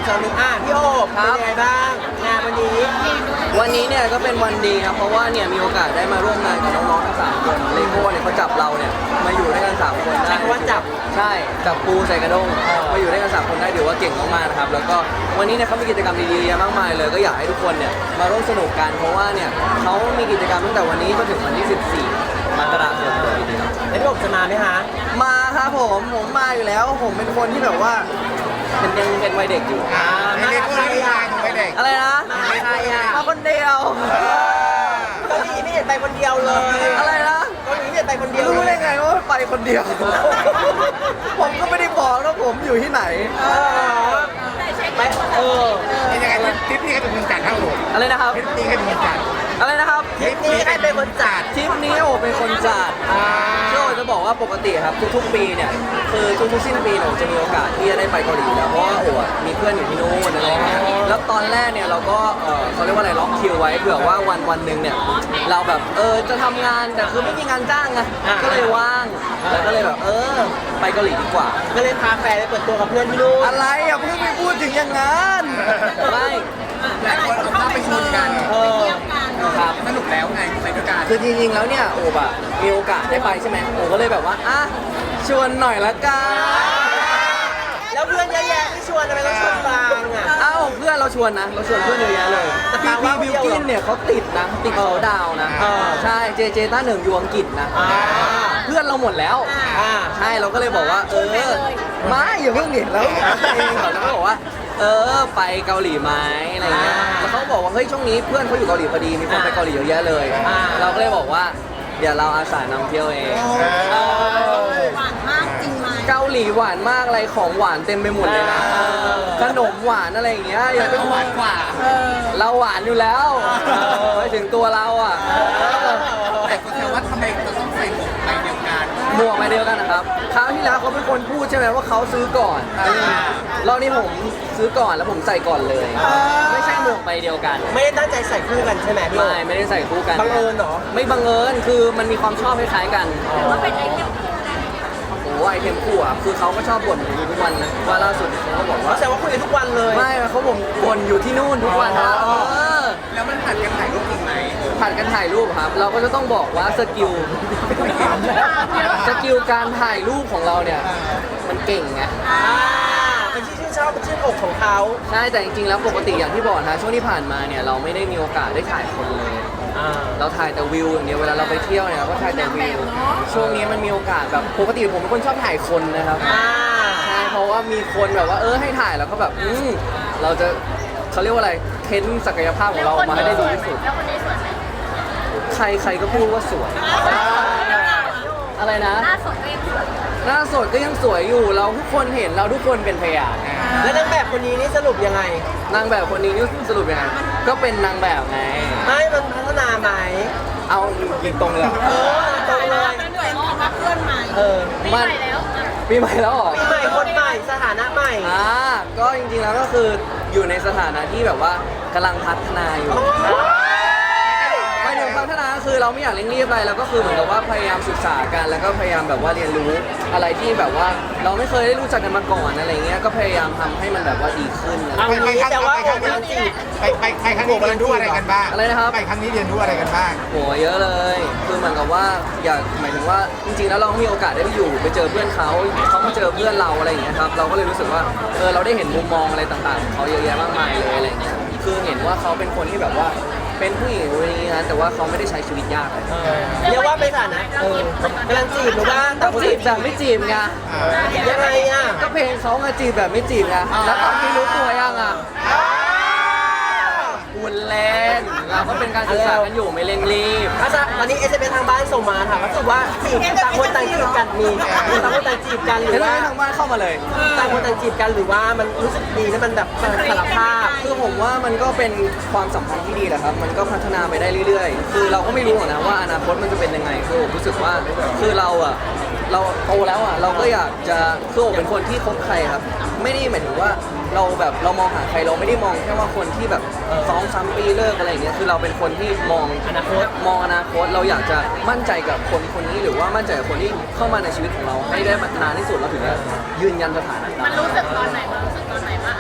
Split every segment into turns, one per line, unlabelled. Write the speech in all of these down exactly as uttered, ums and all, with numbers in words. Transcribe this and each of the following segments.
สาวหนึ่งอ่ะพี่โอบเป็นยังไงบ้างงานวันนี้
วันนี้เนี่ยก็เป็นวันดีครับเพราะว่าเนี่ยมีโอกาสได้มาร่วมงานกับน้องๆทั้งสามคนเลโก้เนี่ยเขาจับเราเนี่ยมาอยู่ด้วยกันสามคนได้
ใช้คำว่าจับ
ใช่จับปูใส่กระด้งมาอยู่ด้วยกันสามคนได้ถือว่าเก่งมากๆนะครับแล้วก็วันนี้เนี่ยเขามีกิจกรรมดีๆเยอะมากมายเลยก็อยากให้ทุกคนเนี่ยมาร่วมสนุกกันเพราะว่าเนี่ยเขามีกิจกรรมตั้งแต่วันนี้จนถึงวันที่สิบสี่มกราคมเลยทีเดียว
แล้วพี่โอบจะมาไหมคะ
มาครับผมผมมาอยู่แล้วผมเป็นคนที่แบบว่าเป็นยังเป็นวัยเด็กอยู่
อ่ามากับใครอ่ะ
อะไรนะ
มากับใครอ่ะ
มาคนเดียว
เกาหลีไม่เห็นไปคนเดียวเลย
อะไรนะ
เกาหลีไม่เห็นไปคนเดียว
รู้
เล
ได้
ย
ไงว่าไปคนเดียว ผมก็ไม่ได้บอกนะผมอยู่ที่ไหน
เออไปเออ
เป็นยังไงทริปนี้ใครเป็นคนจัดครับผม
อะไรนะครับ
ทริปนี้ใครเป็นคนจัด
อะไรนะครับ
ทริปนี้ใครเป็นคนจัด
ทริปนี้โอเป็นคนจัด
อ่า
ก็จะบอกว่าปกติครับทุกๆปีเนี่ยคือทุกๆสิ้นปีเนี่ยผมจะมีโอกาสที่จะได้ไปเกาหลีแล้วเพราะว่าโอ้อะมีเพื่อนอยู่ที่นู่นอะไรอย่างเงี้ยแล้วตอนแรกเนี่ยเราก็เออเขาเรียกว่าอะไรล็อกคิวไว้เผื่อว่าวันวันหนึ่งเนี่ยเราแบบเออจะทำงานแต่คือไม่มีงานจ้างไงก็เลยว่างแล้วก็เลยแบบเออไปเกาหลีดีกว่า
ก็เลยพาแฟนไปเปิดตัวกับเพื่อนที่นู่น
อะไรอ่ะเพิ่งไปพูดถึงอย่างนั้นไม่
หลายคนเอาภาพไปชวนกัน
เออ
ครับ
สนุกแล้วไงไปด้วยกัน
คือจริงๆแล้วเนี่ยโอบอะมีโอกาสได้ไปใช่ไหมโอก็เลยแบบว่าอ่ะชวนหน่อยละกัน
แล้วเพื่อนเยอะแยะที่ชวนทำไมต้องชวนบางอ่ะ
เอ้าเพื่อนเราชวนนะเราชวนเพื่อนเยอะแยะเลย
แต่
พี่
ปา
บี
ว่า
บิวกินเนี่ยเขาติดนะติดเขาดาวน์นะ
เออ
ใช่เจเจต้าหนึ่งอยู่อังกฤษนะ
อ่า
เพื่อนเราหมดแล้ว
อ่า
ใช่เราก็เลยบอกว่า เออไม่อย่าเพิ่งเห็นแล้วเองเราก็บอกว่า เออไปเกาหลีไหมอะไรเงี้ยแล้วเขาบอกว่าเฮ้ยช่วงนี้เพื่อนเขาอยู่เกาหลีพอดีมีคนไปเกาหลีเยอะแยะเลย เราก็เลยบอกว่าเดี๋ยวเราอาสานำเที่ยวเอง
หวานมากจริงไหม
เกาหลีหวานมากอะไรของหวานเต็มไปหมดเลยนะขนมหวานอะไรอย่างเงี้ยอย่าไปหวานกว่า เราหวานอยู่แล้วไปถึงตัวเราอ่ะ
แต่คนแซวว่าทำไมเราต้องใส่หมวกใบเดียวกัน
หมวกใบเดียวกันนะครับคราวที่แล้วเขาเป็นคนพูดใช่ไหมว่าเขาซื้อก่อนรอบนี้ผมซื้อก่อนแล้วผมใส่ก่อนเลย ไม่ใช่หมวกใบเดียวกัน
ไม่ได้ตั้งใจใส่คู่กันใช่ไหมพี่โอ
ไม่ไม่ได้ใส่คู่กัน
บังเอิญเหรอ
ไม่บังเอิญคือมันมีความชอบคล้ายๆกัน
ว่าเป็นไอเทม
โอ้ไอเทมคู่อ่ะคือเขาก็ชอบบ่นอยู่ทุกวันนะว่าล่าสุดเขาก็บอก
เขา
ว่า
แซวว่าคุยกันทุกวันเลย
ไม่เขาบ่นบ่นอยู่ที่นู่นทุกวันนะเออ
แล้วมันผัดกันถ่ายรูปจริงไหม
ผ่านกันถ่ายรูปครับ เราก็จะต้องบอกว่าสกิลสกิลการถ่ายรูปของเราเนี่ยมันเก่งไง
อ่าเป็นที่ชื่นชอบเป็นชื่นอกของเขา
ใช่แต่จริงๆแล้วปกติอย่างที่บอกนะช่วงที่ผ่านมาเนี่ยเราไม่ได้มีโอกาสได้ถ่ายคนเลย
อ่า
เราถ่ายแต่วิวอย่างเดียวเวลาเราไปเที่ยวเนี่ยเราก็ถ่ายแต่วิวช่วงนี้มันมีโอกาสแบบปกติผมเป็นคนชอบถ่ายคนนะครับ
อ่า
ใช่เพราะว่ามีคนแบบว่าเออให้ถ่ายแล้วก็แบบอืมเราจะเขาเรียกว่าอะไรเค้นศักยภาพของเราออกมาให้ได้ดีที่สุด
แล้วคนนี้สวยไหม
ใครใครก็พูดว่าสวย อะไรนะ
หน้าสดก็ยังสวย
หน้าสดก็ยังสวยอยู่ เราทุกคนเห็นเราทุกคนเป็นพยาน
แล้วนางแบบคนนี้นี่สรุปยังไง
นางแบบคนนี้นี่สรุปยังไงก็เป็นนางแบบไง
ไม่มันพัฒนาไหม
เอายิงตรงเลย
เออตรงเลย
เหนื่อยมากมาเพื่อนใหม่
เออ
ปีใหม่แล้ว
ปีใหม่แล้วเหรอ
ปีใหม่คนใหม่สถานะใหม่
อ่าก็จริงๆแล้วก็คืออยู่ในสถานะที่แบบว่ากำลังพัฒนาอยู่ไม่ถึงพัฒนาคือเราไม่อยากเร่งรีบอะไรเราก็คือเหมือนกับว่าพยายามศึกษากันแล้วก็พยายามแบบว่าเรียนรู้อะไรที่แบบว่าเราไม่เคยได้รู้จักกันมาก่อนอะไรเงี้ยก็พยายามทำให้มันแบบว่าดีขึ้น
เอางี้แต่ว่าโอบกำลังจีบ
ไปไปไปครั้งนี้เรียนรู้อะไรกันบ้าง
อะไรนะครับ
ไปครั้งนี้เรียนรู้อะไรกันบ้าง
โหเยอะเลย คือเหมือนกับว่าอยากหมายถึงว่าจริงๆแล้วเรามีโอกาสได้ไปอยู่ไปเจอเพื่อนเขาเขามาเจอเพื่อนเราอะไรอย่างเงี้ยครับเราก็เลยรู้สึกว่าเออเราได้เห็นมุมมองอะไรต่างๆของเขาเยอะแยะมากมายเลยอะไรเงี้ยคือเห็นว่าเขาเป็นคนที่แบบว่าเป็นผู้หญิงคนนี้นะแต่ว่าเขาไม่ได้ใช้ชีวิตยากเลย
เรียกว่าเป็นสถานะเออกำลังจีบหรือว่า
ต้
ต่า
อง ง
คน
จีบแบบไม่จีบไง
ยังไงอ่ะ
ก็เพลงเขาไงจีบแบบไม่จีบไงแล้วตอนนี้รู้ตัวยังอ่ะคุณเล่นเราก็เป็นการศึกษากันอยู่ไม่เร่งรีบ
อาจารย์วันนี้เอสเอ็มเอสทางบ้านส่งมาถามว่ารู้สึกว่าจีบต่างคนต่างจีบกันมีต่างคนต่างจีบกันหรื
เดี๋ย
อ
ว
ว่า
ให้ทางบ้านเข้ามาเลย
ต่างคนต่างจีบกันหรือว่ามันรู้สึกดีแล้วมันแบบสารภาพ
คือผมว่ามันก็เป็นความสัมพันธ์ที่ดีแหละครับ มันก็พัฒนาไปได้เรื่อยๆ คือเราก็ไม่รู้หรอกนะว่าอนาคตมันจะเป็นยังไง คือผมรู้สึกว่า คือเราอะเราโตแล้วอะเราก็อยากจะคือผมเป็นคนที่คบใครครับ ไม่ได้หมายถึงว่าเราแบบเรามองหาใครเราไม่ได้มองแค่ว่าคนที่แบบสองสามปีเลิกอะไรอย่างเงี้ย คือเราเป็นคนที่มอง
อนาคต
มองอนาคต เราอยากจะมั่นใจกับคนคนนี้หรือว่ามั่นใจกับคนที่เข้ามาในชีวิตของเราให้ได้นานที่สุดเราถึงจะยืนยันสถานะ
มันรู้สึกตอนไหนมันรู้สึกตอนไหนว่าไอ้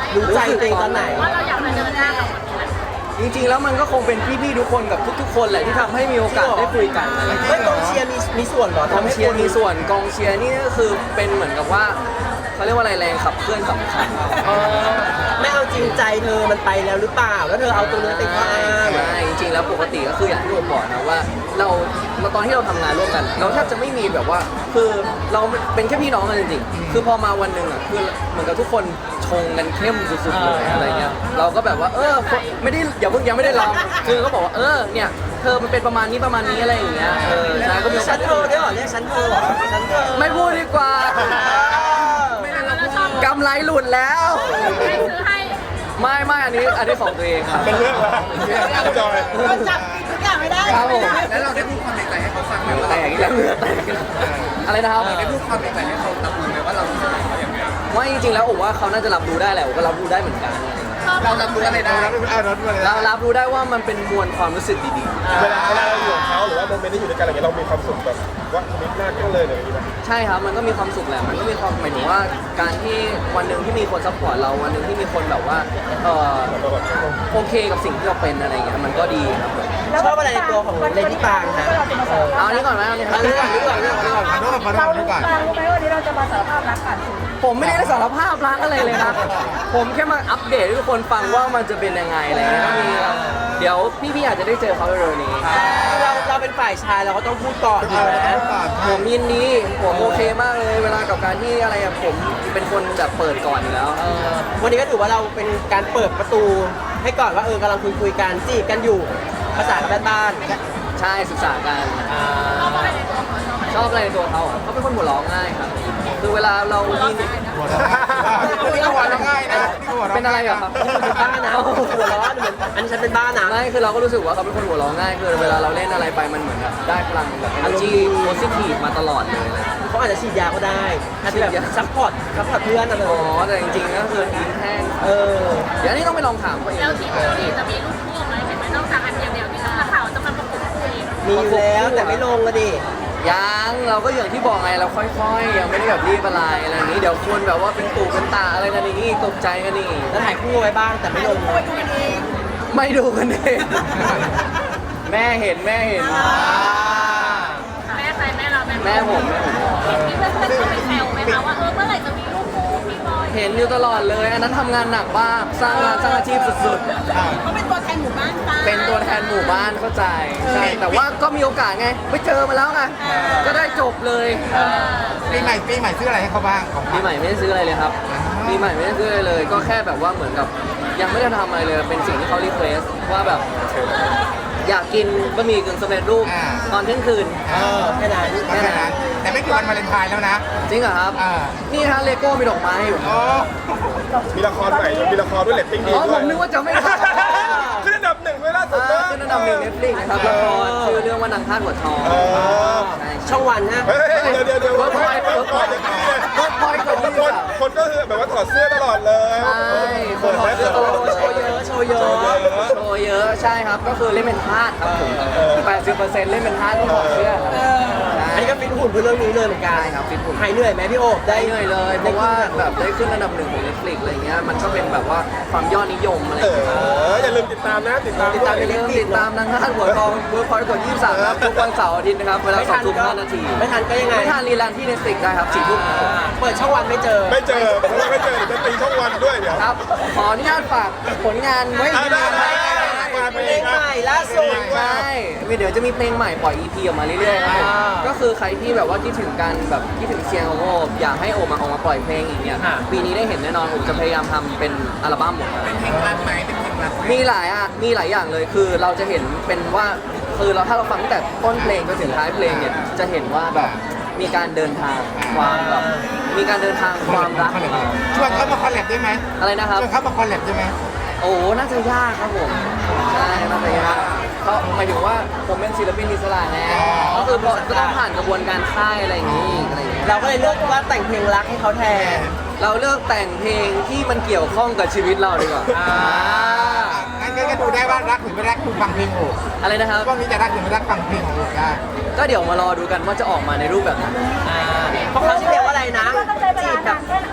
รู้ใจตัวเองตอนไหน
ว่าเราอยากมาเดินหน้ากับคนนี้
จริงๆแล้วมันก็คงเป็นพี่ๆทุกคนกับทุกๆคนแหละที่ทำให้มีโอกาสได้คุยกันอะไรอย่างเงี้ย
เฮ้ยกองเชียร์มีมีส่วนเหรอก
องเชียร์มีส่วนกองเชียร์นี่ก็คือเป็นเหมือนกับว่าเขาเรียกว่าอะไรแรงขับเคลื่อนสำคัญ
เออไม่เอาจริงใจเธอมันไปแล้วหรือเปล่า แล้วเธอเอาตัวนี้ไปข้ออ้าง
ไม่จริงๆแล้วปกติก็คืออย่างที่ผมบอกนะว่าเราเราตอนที่เราทำงานร่วมกัน เราแทบจะไม่มีแบบว่าคือเราเป็นแค่พี่น้องกันจริงๆคือพอมาวันหนึ่งอ่ะคือเหมือนกับทุกคนชงกันเข้มสุดๆเลยอะไรเงี้ยเราก็แบบว่าเออไม่ได้อย่าเพิ่งยังไม่ได้ลองคือก็บอกว่าเออเนี่ยเธอมันเป็นประมาณนี้ประมาณนี้อะไรอย่างเงี้ยเออใช่ก็มีโอกา
ฉั
ส
นเธอได้เหรอเรียกฉันเธอเหรอฉันเธอ
ไม่พูดดีกว่า
เราชอบ
กำไรหลุดแล้ว
ให้ซื้อให้
ไม่ไม่อันนี้อันนี้ของตัวเองครับ
เป็นเรื่องแล้วจอย
เราจับผิดทุกอย่างไม่ได้
ครับผม
แล้วเราได้พูดความในใจให้เขาฟังไหมว่า
แต
เรา
กอีกแล้วเหงื่อแตกอีกแล้วอะไรนะครับ
ได้พูดความในใจให้เขารับรู้ไหมว่าเรารู้สึกอย่างไร
ว่าจริงๆแล้วผมว่าเขาน่าจะรับรู้ได้แหละผมก็รับรู้ได้เหมือนกัน
เรารับรู้อะไรได้
เราไม่เอารถมาเลย
เรารับรู้ได้ว่ามันเป็นมวลความรู้สึกดี
เวลาเวลาเราอยู่กับเขาหรือว่าโมเมนต์ที่อยู่ด้วยกันอะไรเงี้ยเรามีความสุขแบบว่ามิตรหน้ากันเลยอย่างนี้ไหม
ๆใช่ครับมันก็มีความสุขแหละมันก็มีความหมายถึงว่าการที่วันหนึ่งที่มีคนซัพพอร์ตเราวันหนึ่งที่มีคนแบบว่าเออโอเคกับสิ่งที่เราเป็นอะไรเงี้ยมันก็ดีครับผม
ชอบอะไรในตัวของเลดี้ปางฮะ
เอาอันนี้ก่อนไหมเอาอันนี้
อันนี้ก่อนอันนี้ก่อนอันนี้ก่อน
ขอโทษขอโทษขอโทษก่อน
เรารู้ไหมวันนี้เราจะมาสารภาพรักกัน
ผมไม่ได้สารภาพรักอะไรเลยนะผมแค่มาอัปเดตให้ทุกคนฟังว่ามันจะเป็นยังไงอะไรเงี้ยก็มีเดี๋ยวพี่ๆอาจจะได้เจอเขาเร็วๆนี้
เราเราเป็นฝ่ายชายเราก็ต้องพูดก่อนถูกไหม
ผมยินดีผมโอเคมากเลยเวลากับการที่อะไรอะผมเป็นคนแบบเปิดก่อนอยู่แล้ว
เออวันนี้ก็ถือว่าเราเป็นการเปิดประตูให้ก่อนว่าเออกำลังคุยคุยๆกันจีบกันอยู่ภาษากับบ้าน
ใช่ศึกษากัน
ๆอ่า
ชอบอะไรในตัวเขาอะเขาเป็นคนหัวเราะง่ายครับคือเวลาเรายิน
นี่ก็หัวเราะง่ายนะนี่ก็หัวเราะ
เป็นอะไรเหรอครับ
เป็นบ้านะหัวร้อนเหมือนอันนี้ฉันเป็นบ้านะ
ไม่คือเราก็รู้สึกว่าเขาเป็นคนหัวเราะง่ายคือเวลาเราเล่นอะไรไปมันเหมือนแบบได้พลังแบบ energy positive มาตลอดเลย
เขาอาจจะฉีดยาก็ได้อาจจะแบบซัพพอร์ตซัพพอร์ตเพื่อนอะไร
อ๋อแต่จริงๆก็คือยิ้มแห้ง
เออ
เดี๋ยวนี้ต้องไปลองถามเขาเอง
แล้วทีมเกาหลีจะมีลูกคู่ไหมเห็นไหมนอกจากอันเดียวเดียวที่นักข่าวจะมาประกบคู่เอง
มีอยู่แล้วแต่ไม่ลงก็ดิ
ยังเราก็อย่างที่บอกไงเราค่อยๆ ยังไม่ได้แบบรีบอะไรอะไรอย่างนี้เดี๋ยวคนแบบว่าเป็นตู่เป็นตาอะไรกันอย่างนี้ตกใจกันนี่
แล้วถ่ายคู่ไว้บ้างแต่ไม่ลง
ไม่ดูกันเองแม่เห็นแม่เห็น
แม่ใครแม่เราแม่
แม่ผมแม่ผม
มีเพื่อนๆเขาไปแซวไหมคะว่าเออเมื่อไหร่จะมีลูกคู่พี่บอย
เห็นอยู่ตลอดเลยอันนั้นทำงานหนักมากสร้างงานสร้างอาชีพสุด
เขาเป็นตัวแทนหมู่บ้านป้า
ๆ เป็นตัวแทนหมู่บ้านเข้าใจใช่แต่ว่าก็มีโอกาสไงไปเจอมาแล้วไงก็ได้จบเลย
ปีใหม่ปีใหม่ซื้ออะไรให้เขาบ้างของ
ปีใหม่ไม่ได้ซื้ออะไรเลยครับปีใหม่ไม่ได้ซื้ออะไรเลย ก็แค่แบบว่าเหมือนกับยังไม่ได้ทำอะไรเลยเป็นสิ่งที่เขารีเควสว่าแบบอยากกินบะหมี่กึ่งสำเร็จรูปตอนเที่ยงคืน
เออแค่นั้น
แค่นั้นแต่ไม่กี่วันวาเลนไทน์แล้วนะ
จริงเหรอครับ
อ่า
นี่ฮะเลโก้มีดอกไม้อยู่
โอ้
มีละครใหม่มีละครด้วยเรตติ้งดี
อ๋อ
ด้
ผ
วย
มนึกว่าจะไม่ทำ
ขึ้นอันดับหนึ่งด้วยล่าสุด
อ่าขึ้นอันดับหนึ่งเน็ตฟลิกนะครับละครชื่อเรื่องว่านางทาสหัวทอง
เออ
ใช่
ช่องวันฮะ
เฮ้ยเดี๋ยวเดี๋ยวเดี๋ยว
เวิร์กพอยต์เวิร์กพอยต์เวิร์กพอยต์กว่านี้
คนคนก็คือแบบว่าถอดเสื้อตลอดเลย
ใช่คนถอดเสื้อตลอด
โชว์เยอะโชว์เยอะ
โชว์เยอะใช่ครับ ก็คือเล่นเป็นทาสครับผมแปดสิบเปอร์เซ็นต์เล่นเป็นทาสที่ถอดเสื้อครับใช่
อันนี้ก็ฟิตหุ่นเพื่อเรื่องนี้เลยเหมือนกัน
ใช่ครับฟิตหุ่น
หายเหนื่อยไหมพี่โอ๊บ
ได้เหนื่อยเลยเพราะว่าแบบได้ขึ้นอันดับหนึ่งของ Netflix อะไรเงี้ยมันก็เป็นแบบว่าความยอดนิยมอะไร
เอ
เงี้ย
ออย่าลืมติดตามนะติดตาม
ติดตาม
ด้วย
ใน
อย่าลืมติดตามนางทาสหัวทองเวิร์กพอยต์กดยี่สิบสามครับทุกวันเสาร์อาทิตย์นะครับเวลาสองทุ่มห้านาที
ไม่ทันก็ยังไง
ไม่ทันรีลันที่ Netflix ได้ครับสี่ทุ่มครับ
เปิดช่องวันไม่เจอ
ไม่เจอเพราะว่าไม่เจอเดี๋ยวจะตีช่องวันด้วยเดี๋ยว
ครับ ขออนุญาตฝากผลงานไว้
อ่า
ที่
ได้
นี่
ได้
นะ
ได้ได้
เพลงใหม่ล่าสุด
ใช่เดี๋ยวจะมีเพลงใหม่ปล่อย อี พี ออกมาเรื่อยๆครับผม
อ่า
ก็คือใครที่แบบว่าคิดถึงกันแบบคิดถึงเสียงของโอบอยากให้โอบมาออกมาปล่อยเพลงอีกเนี่ย
อ่า
ปีนี้ได้เห็นแน่นอนโอบจะพยายามทำเป็นอัลบั้มหมด
เป็นเพลงรักไหมเป็นเพลงรักไหม
มีหลายอ่ะมีหลายอย่างเลยคือเราจะเห็นเป็นว่าคือเราถ้าเราฟังตั้งแต่ต้นเพลงจนถึงท้ายเพลงเนี่ยจะเห็นว่าแบบมีการเดินทางความแบบมีการเดินทางความรัก
ชวนเขามาคอลแลบได้ไหม
อะไรนะครับ
ชวนเขามาคอลแลบได้ไหม
โอ้น่าจะยากครับผมใช่น่าจะยากเขาหมายถึงว่าผมเป็นศิลปินอิสระไงก็คือก็ต้องผ่านกระบวนการค่ายอะไรอย่างนี้อีกอะไรอย่างนี้
เราก็เลยเลือกว่าแต่งเพลงรักให้เขาแทน
เราเลือกแต่งเพลงที่มันเกี่ยวข้องกับชีวิตเราดีกว่า
อ่า
งั้นก็ดูได้ว่ารักหรือไม่รักดูฟังเพลงโอ้
อะไรนะครับ
ช่วงนี้จะรักหรือไม่รักฟังเพลงของโอ้ได้
ก็เดี๋ยวมารอดูกันว่าจะออกมาในรูปแบบไหน
อ่าเพราะเขาชื่อเพลงว่าอะไรนะ
ก็ต้องใช้เว
จี
ลา
บแบ
นา
บ
นแค่ไหน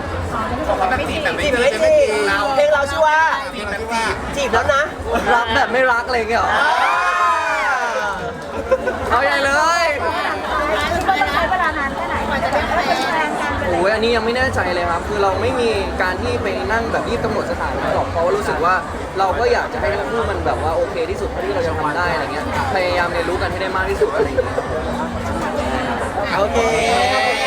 แบบจีบแบบไม่
จีบ
จี
ไม่
บ
จีบเพลงเราชื่อว่า
จีบแบบว่า
จีบแล้วนะ
รักแบบไม่รักอะไรอย่างเงี้ยเหรอเอาใหญ่เลย
คือมันต้องใช้เวลานานแค่ไหนกว่าจะได้เป็นแฟนกัน
โอ้ยอันนี้ยังไม่แน่ใจเลยครับ คือเราไม่มีการที่ไปนั่งแบบรีบกำหนดสถานะหรอกเพราะว่ารู้สึกว่าเราก็อยากจะให้ทั้งคู่มันแบบว่าโอเคที่สุดเท่าที่เราจะทำได้อะไรเงี้ยพยายามเรียนรู้กันให้ได้มากที่สุดอะไรอย่างเงี้ย
โอเค